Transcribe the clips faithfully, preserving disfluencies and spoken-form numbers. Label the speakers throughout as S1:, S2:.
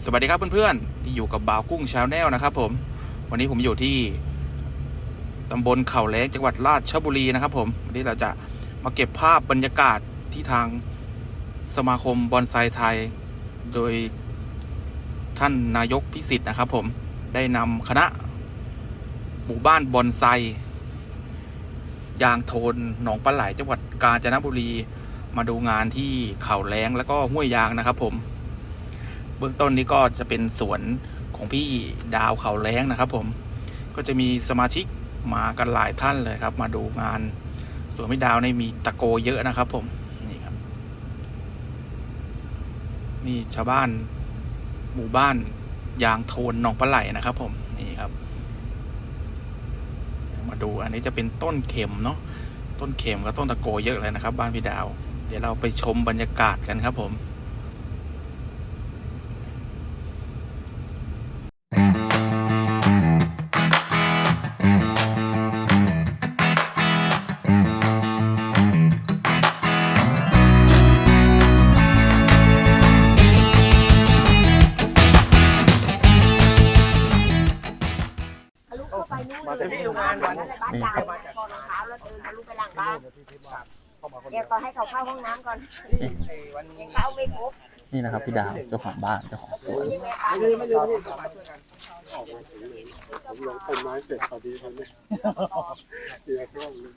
S1: สวัสดีครับเพื่อนๆที่อยู่กับบ่าวกุ้งชาแนลนะครับผมวันนี้ผมอยู่ที่ตำบลเขาแล้งจังหวัดราชบุรีนะครับผมวันนี้เราจะมาเก็บภาพบรรยากาศที่ทางสมาคมบอนไซไทยโดยท่านนายกพิสิทธิ์นะครับผมได้นำคณะหมู่บ้านบอนไซยางโทนหนองปลาไหลจังหวัดกาญจนบุรีมาดูงานที่เขาแล้งแล้วก็ห้วยยางนะครับผมเบื้องต้นนี้ก็จะเป็นสวนของพี่ดาวเขาแล้งนะครับผมก็จะมีสมาชิกมากันหลายท่านเลยครับมาดูงานสวนพี่ดาวในมีตะโกเยอะนะครับผมนี่ครับนี่ชาวบ้านหมู่บ้านยางโทนหนองปลาไหลนะครับผมนี่ครับมาดูอันนี้จะเป็นต้นเข็มเนาะต้นเข็มกับต้นตะโกเยอะเลยนะครับบ้านพี่ดาวเดี๋ยวเราไปชมบรรยากาศกันครับผม
S2: มาจากที่งานวันบ้านดาวก่อนรองเท้าแล้วเดินทะลุไปหลังบ้านเดี๋ยวก็ให้เขาเข้าห้องน้ำก่อนยังเข้าไม่ครบ
S3: นี่นะครับพี่ดาวเจ้าของบ้านเจ้าของสวน
S2: ไม่ลืมไม่ลืมไม่ลืม
S4: ผมลงต้นไม้เสร็จพอดีเลยเนี่ยเดี๋ยวช่วงนึง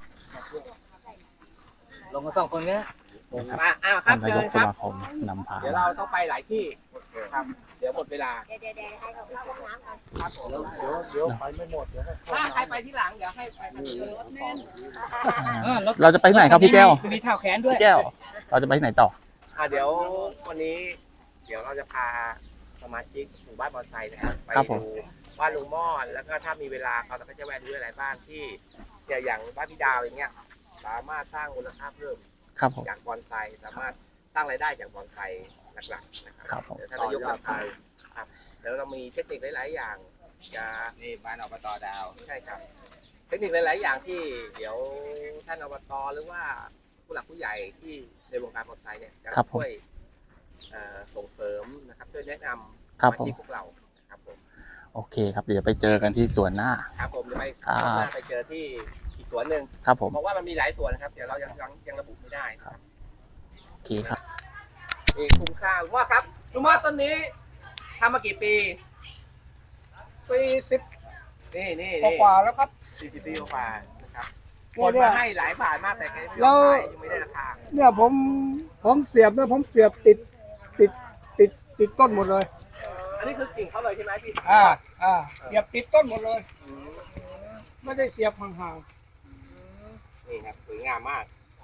S5: ลงกันสองคนเนี้ย
S3: อ้าวครับนายกสมาคมนำพา
S5: เดี๋ยวเราต้องไปหลายที่ครับเดี๋ยวหมดเวลา
S2: เดี๋ยวเดี๋ยวให้เขาเข้าห้องน้ำก่อน
S5: ครับผม
S4: เดี๋ยวเดี๋ยวไปไม่หมดเดี๋ยว
S5: ถ้าใครไปที่หลังเดี๋ยวให้ไปกันรถแน่น
S3: เราจะไปไหนครับพี่แก้ว
S5: มีเท้าแขนด้วย
S3: พี่แก้วเราจะไปไหนต่อ
S5: อ่าเดี๋ยววันนี้เดี๋ยวเราจะพาสมาชิกหมู่บ้านบอนไซนะครับไปดูบ้านลุงม่อนแล้วก็ถ้ามีเวลาเขาก็จะแวะดูอะไรบ้างที่อย่างบ้านพี่ดาวอย่างเงี้ยสามารถสร้างมูลค่าเพิ่มจากบอนไซสามารถสร้างรายได้จากบอนไซหลักๆนะครับเดี๋ยวท่านนายกนำพาครับเดี๋ยวเรามีเทคนิคหลายๆอย่างจะนี่บ้านอบตดาวใช่ครับเทคนิคหลายๆอย่างที่เดี๋ยวท่านอบตหรือว่าผู้หลักผู้ใหญ่ที่ในวงการบอนไซเนี่ยจะช่วยส่งเสริมนะครับช่วยแนะนำสมาชิกพวกเราครับผม
S3: โอเคครับเดี๋ยวไปเจอกันที่สวนหน้า
S5: ครับผมจะไปไปเจอที่อีกสวนหนึ่ง
S3: ครับผม
S5: เพราะว่ามันมีหลายสวนนะครับเดี๋ยวเรายังยังยังระบุไม่ได้ครับ
S3: โอเคครับ
S5: นี่คุ้มค่าลุงว่าครับลุงว่าต้นนี้ทำมากี่ปี
S4: ปีสิบ
S5: นี่นี่
S4: กว่าแล้วครับ
S5: สี่สิบปีกว่านะครับคนมาให้หลายบาทมากแต่ยังไม่ได้ราคา
S4: เนี่ยผมผมเสียบเนี่ยผมเสียบติดติดติดติดต้นหมดเลย
S5: อันนี้คือกิ่งเขาเลยใช่ไหมพี่
S4: อ่าอ่าเสียบติดต้นหมดเลยไม่ได้เสียบห่าง
S5: ๆนี่ครับสวยงามมาก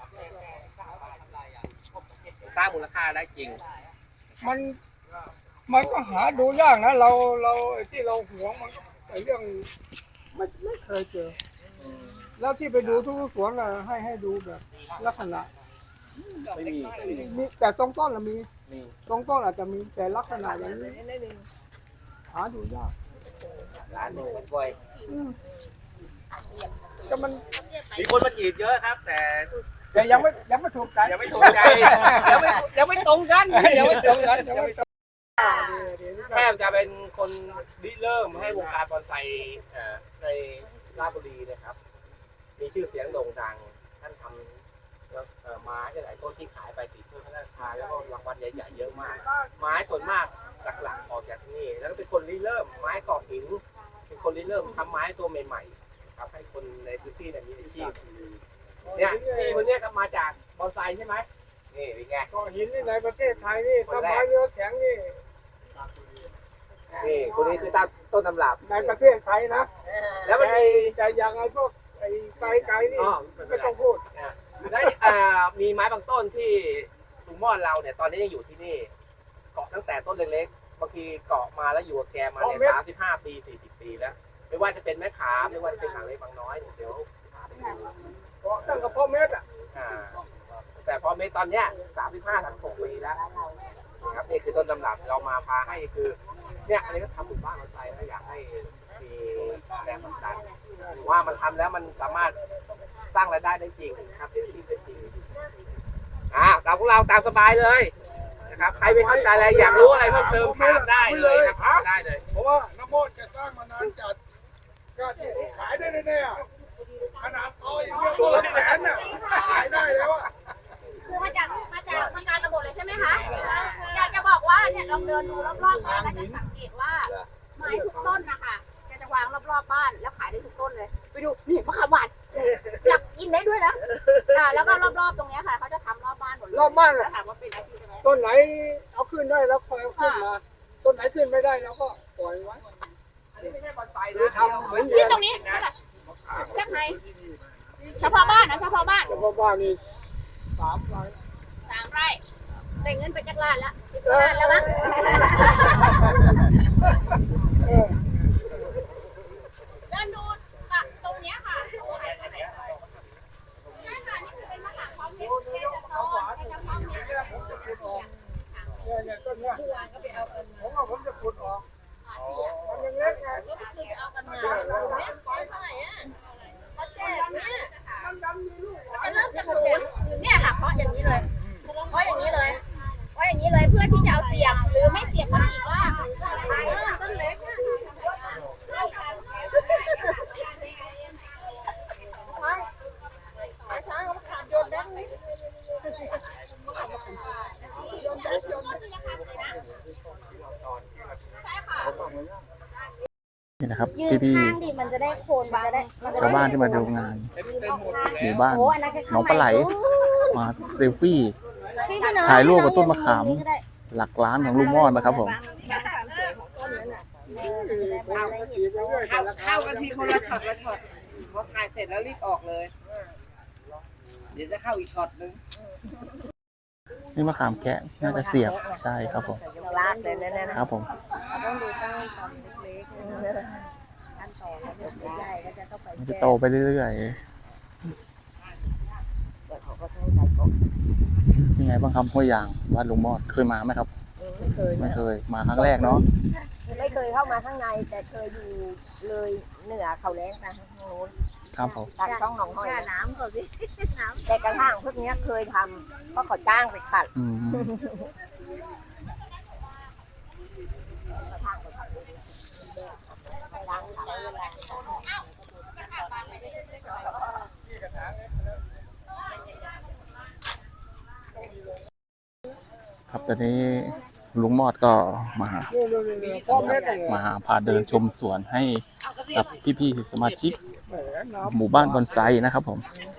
S5: สร้างมูลค่าได้จริง
S4: มันมันก็หาดูยากนะเราเราที่เราหวงมันไอ้เรื่องไม่ไม่เคยเจอแล้วที่ไปดูทุกสวนน่ะให้ให้ดูแบบลักษณะ
S5: ไม่มี
S4: มีแต่ตรงต้นละมีตรงต้นอาจจะมีแต่ลักษณะอย่างนี้หาดูยาก
S5: ร้านหนึ่งบ่อย
S4: ก็มัน
S5: มีคนมาจีบเยอะครับแต่
S4: แต่ยังไม่ยังไม่ถูกใจ
S5: ยังไม่ถูกใจยังไม่ยังไม่ตรงกัน
S4: ยังไม่ตรงกันยังไม่ตรง
S5: แทบจะเป็นคนริเริ่มให้วงการบอนไซในราชบุรีนะครับมีชื่อเสียงโด่งดังท่านทำไม้หลายต้นที่ขายไปติดเพื่อพระราชทานแล้วก็รางวัลใหญ่ๆเยอะมากไม้ส่วนมากหลักๆออกจากที่นี่แล้วก็เป็นคนริเริ่มไม้กรอบหินเป็นคนริเริ่มทำไม้ตัวใหม่ๆครับให้คนในพื้นที่มีอาชีพเนี่ยที่คนนี้ก็มาจากบอนไซใช่ไหมนี่เป็นไง
S4: ก้อนหินนี่ในประเทศไทยนี่ต้นไม้เนื้อแข็งนี่
S5: นี่คนนี้คือต้นตำรับ
S4: ในประเทศไทยนะ
S5: แล้วมันมี
S4: แต่อย่างไอ้พวกไอ้ไกลไกลนี่ไม่ต้องพูด
S5: แล้วมีไม้บางต้นที่ลุงม่อนเราเนี่ยตอนนี้ยังอยู่ที่นี่เกาะตั้งแต่ต้นเล็กๆบางทีเกาะมาแล้วอยู่กับแกมาเนี่ยสามสิบห้าปีสี่สิบปีแล้วไม่ว่าจะเป็นแม่ขามไม่ว่าจะเป็นหางเล็กบางน้อยเดี๋ยว
S4: เกาะตั้งกับพ่อเม็ดอ่ะ
S5: แต่พอเม็ดตอนเนี้ยสามสิบห้าถึงหกปีแล้วนะครับนี่คือต้นตำรับเรามาพาให้คือเนี่ยอันนี้ก็ทำหมู่บ้านเราใจแล้วอยากให้มีแรงผลักดันว่ามันทำแล้วมันสามารถสร้างรายได้ได้จริงครับเป็นที่เป็นจริงอ่าตามพวกเราตามสบายเลยนะครับใครไม่เข้าใจอะไรอยากรู้อะไรเพิ่มเติมถามได้เลยครับได้เลย
S4: เพราะว่าน้ำมดจะสร้างมานานจัดก็ที่ขายได้แน่ๆขนาดต่ออย่างเดียวตัวละแสนน่ะขายได้แล้วอ่ะ
S2: คือมาจากมาจากทำงานระบบเลยใช่ไหมคะอยากจะบอกว่าเนี่ยลองเดินดูรอบๆบ้านแล้วจะสังเกตว่าไม้ทุกต้นนะคะจะจะวางรอบๆบ้านแล้วขายได้ทุกต้นเลยไปดูนี่มะขามหวานอยากกินได้ด้วยนะอ่าแล้วก็รอบๆตรงนี้ค่ะเขาจะทำรอบบ้านหมดเลย
S4: รอบบ้าน
S2: แล้วถามว่าเป็นอาชีพไหม
S4: ต้นไหนเอาขึ้นได้แล้วคอยเอาขึ้นมาต้นไหนขึ้นไม่ได้เราก็ปล่อยไว้
S5: อันนี้ไม่ใช่บอนไซ
S4: หรือ
S5: นะ
S4: ทำเหมือน
S2: นี่ตรงนี้เท่าไหร่แค่ไหนเฉพาะบ้านนะเฉพาะบ้าน
S4: แต่ว่าบ้านนี่สามไร่
S2: สามไร่ได้เงินไปจากล้านละสิบล้านแล้วมั้ง
S4: เออ
S2: เดินดูกับตรงเนี้ยค่ะใช่ค่ะนี่คือเป็นมะขามพร้อมเม็ดแค่จะโตแค่จะพร้อมเม็ดเสียบ
S4: เนี่ยเนี่ยต้นเนี่ยผมว่าผมจะขุดออก
S2: เสียบ
S4: มันยังเล็กไง
S2: ก็คือเอากันมาเม็ดเท่าไหร่อ่ะเขาแจกเนี่ย
S4: มันดำมีลูกหวา
S2: จะ
S4: น
S2: เริ่มจากศูนย์เนี่ยค่ะเพราะอย่างนี้เลยเพราะอย่างนี้เลยเพราะอย่างนี้เลยเพื่อที่จะเอาเสียบหรือไม่เสียบก็อีกว่าต้นเล็กช้างเขาขาดโยนแดงนี่ใช่ค่ะ
S3: นี่นะครับ
S6: ยืน
S3: พี่พี่
S6: ข้างดิมันจะได้โคนมันจะได้มันจะ
S3: ชาว
S6: ได้
S3: บ้านที่มาดูงาน หมู่บ้าน
S6: โอ้อันนั้นก็
S3: น้องปลาไหล มาเซลฟี่
S6: พี่พี่น้อง
S3: ถ่ายรูปกับต้นมะขาม
S6: ก็ได้
S3: หลักล้านของลุงม่อนนะครับผม
S6: เออมันจะได้มันจะได้เห็น
S5: เข้าเข้ากันทีคนละช็อตละช็อตพอถ่ายเสร็จแล้วรีบออกเลย เดี๋ยวจะเข้าอีกช็อตนึง
S3: นี่มะขามแคะน่าจะเสียบใช่ครับผม
S6: ลาดเลยนะเนี่ยนะครับ
S3: ผม
S6: ต้องดูตั้งทำเล็กๆขั้นตอนถ้าเกิดใหญ่ก็จะต้องไป
S3: มันจะ
S6: แก้
S3: โตไปเรื่อย
S6: แต่เขาก็ต้องใส่กบ
S3: ๆยังไงบ้างครับห้วยยางบ้านลุงมอดเคยมาไหมครับ
S6: ไม่เคย
S3: ไม่เคยมาครั้งแรกเนาะ
S6: ไม่เคยเข้ามาข้างในแต่เคยอยู่เลยเหนือเขาแรงนะทางโน้น
S3: ครับผม
S6: ทางต้องหนองห้อย
S2: น้ำก่อนสิน้
S6: แต่กระทั่งพวกเนี้ยเคยทำเพราะเขาจ้างไปขัด
S3: อืม
S6: ล้างใช้เวลา
S3: ครับตอนนี้ลุงมอดก็มาหา
S4: นี่ๆๆพ่อเม็ดเลย
S3: มาหาพาเดินชมสวนให้กับพี่ๆสมาชิก
S4: แหมน้
S3: หมู่บ้านบอนไซนะครับผม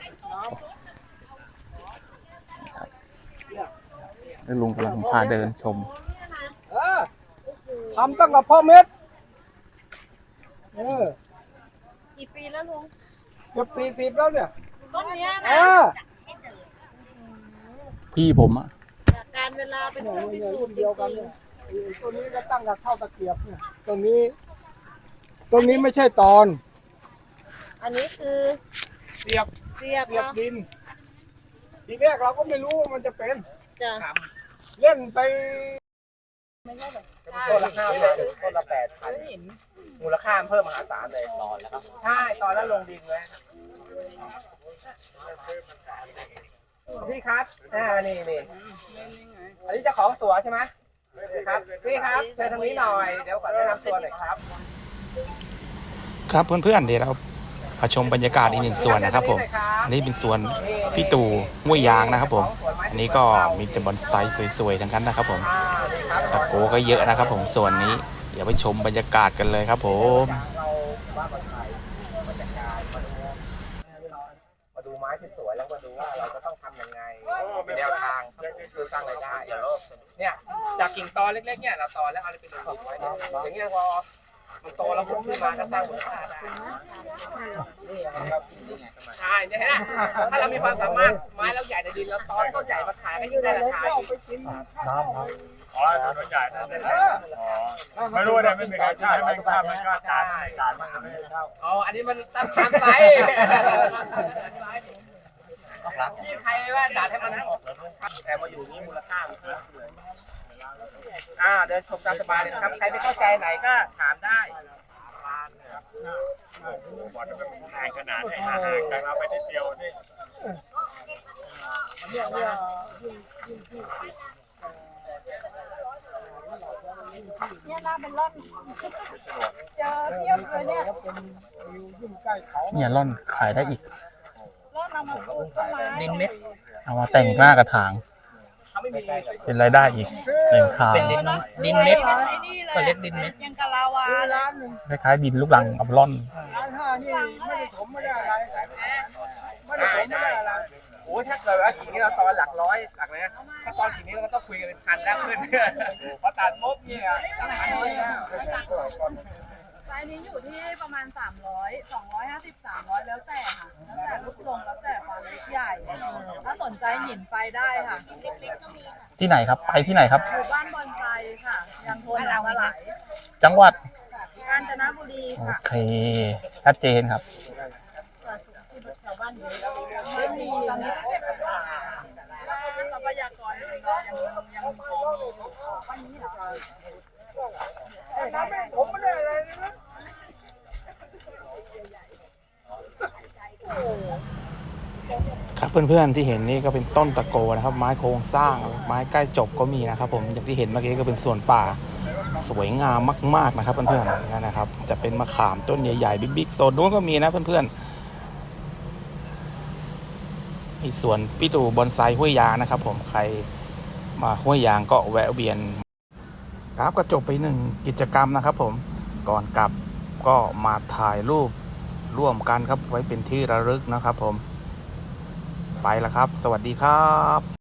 S3: นะครับแล้วลุงกำลังพาเดินชม
S4: ำเออทำตั้งแต่พ่อเม็ดเออ
S2: ำกี่ปีแล้วลุง
S4: เกือบสี่สิบแล้วเนี่ย
S2: ต้นเนี้ย
S4: เอ
S2: นะ
S4: อ
S3: พี่ผมอะ
S2: การเวลาเป็น
S4: เนี่ย
S2: ผู้พิ
S4: เนี่ย
S2: สู
S4: รุ่
S2: จ
S4: น
S2: น์
S4: เดียวกันเนี่ยไอ้ตัวนี้ก็ตั้งกับข้าวตะเกียบเนี่ยตัวนี้ตัวนี้ไม่ใช่ตอน
S2: อันนี้คือ
S4: เสียบ
S2: เสียบ
S4: เสียบ
S2: เนาะ
S4: ดินทีแรกเราก็ไม่รู้ว่ามันจะเป็น
S2: จ้ะ
S4: เล่นไป
S5: ต้นละห้าพันต้นละแปดพันมูลค่าเพิ่มมหาศาลเลยตอนแล้วครับใช่ตอนแล้วลงดินไว้พี่ครับอ่านี่นี่อันนี้เจะของสวนใช่ไหมครับพี่ครับเชิญทางนี้หน่อยเดี๋ยวก่อนแนะนำตัวหน่อยครับ
S1: ครับเพื่อนๆเดี๋ยวเรามาชมบรรยากาศอีกหนึ่งส่วนนะครับผมอันนี้เป็นสวนพี่ตู่ห้วยยางนะครับผมอันนี้ก็มีแต่บอนไซสวยๆทั้งนั้นนะครับผมตะโกก็เยอะนะครับผมส่วนนี้เดี๋ยวไปชมบรรยากาศกันเลยครับผม
S5: เราบ้านบอนไซมาจัดการมาดูมาดูไม้ที่สวยแล้วมาดูว่าเราจะต้องทำยังไงเป็นแนวทางคือสร้างรายได้เนี่ยจากกิ่งตอเล็กๆเนี่ยเราตอแล้วเอาไปดูไว้เนี่ยอย่างเงี้ยพอมันโตแล้วพุ่งขึ้นมาก็สร้างมูลค่าได้ใช่เนี่ยนะถ้าเรามีความสามารถไม้เราใหญ่ในดินเราตอนต้นใหญ่มาขายก็ยิ่งได้ราคาอีก
S7: อ๋อถนนใหญ่นั่นเองอ๋อไม่รู้เนี่ยไม่มีใครช่วยให้มันข้ามมันก็จ่ายไม่จ่ายมันก็ไม่ได้เข้า
S5: อ๋ออันนี้มันตามตามไซส์ที่ใครว่าจ่ายให้มันแต่มาอยู่นี่มูลค่ามันเพิ่มเลยอ่าเดินชมตามสบายเลยนะครับใครไม่เข้าใจไหนก็ถามได้
S7: บอลมันแพงขนาดไหนห่างจากเราไปนิดเดียวนี่
S4: เนี่ยเนี่ยยิ่งยิ่งที่
S6: เนี่ยน่าเป็นร่อนเจอเทียบเลยเนี่ย
S4: แล้วเป็นยิ่งใกล้เขา
S3: เนี่ยร่อนขายได้อีก
S6: ร่อนเอามาปลูกต้นไม้ดินเม็ด
S3: เอามาแต่งหน้ากระถาง
S5: เขาไม่มี
S3: เป็นรายได้อีกหนึ่งทาง
S6: เป็นดินดินเม็ดไอ้นี่เลยเรียกดินเม็ดยังกะลาวา
S4: ร้านหนึ่ง
S3: คล้ายๆดินลูกรังกับร่อน
S4: ร้านห้านี่ไม่ได้ถมไม่ได้อะไรไม่ได้ถมไม่ได้อะไร
S5: โอ้ยถ้าเกิดว่ากิ่งนี้เราตอนหลักร้อยหลักเลยนะถ้าตอนกิ่งนี้เราก็ต้องคุยกันเป็นพันแล้วขึ้นพอตัดปุ๊บเนี่ยหลักพันเลยนะ
S6: ไซส์นี้อยู่ที่ประมาณสามร้อยสองร้อยห้าสิบ สามร้อยแล้วแต่ค่ะแล้วแต่รูปทรงแล้วแต่ความเล็กใหญ่ ถ้าสนใจหินไปได้ค่ะ
S3: ที่ไหนครับ ไปที่ไหนครับ
S6: อยู่บ้านบอนไซค่ะยังทนเอามาหลาย
S3: จังหวัด
S6: กาญจนบุรี
S3: โอ
S6: ค่ะ
S3: เค ชัดเจนครับ
S6: ไม่มีตอนนี้ก็เก็บทรัพยากรยังยังพอมีวันนี้เหรอ
S4: น้ำไม่ผมไม่ได้อะไรเลยนะ
S1: ครับเพื่อนๆที่เห็นนี่ก็เป็นต้นตะโกนะครับ ไม้โครงสร้างไม้ใกล้จบก็มีนะครับผมอย่างที่เห็นเมื่อกี้ก็เป็นสวนป่าสวยงามมากๆนะครับเพื่อนๆนั่นนะครับจะเป็นมะขามต้นใหญ่ๆบิ๊กๆโซนนู้นก็มีนะเพื่อนๆอีกสวนพี่ตู่บอนไซห้วยยางนะครับผมใครมาห้วยยางก็แวะเวียนครับก็จบไปหนึ่งกิจกรรมนะครับผมก่อนกลับก็มาถ่ายรูปร่วมกันครับไว้เป็นที่ระลึกนะครับผมไปแล้วครับสวัสดีครับ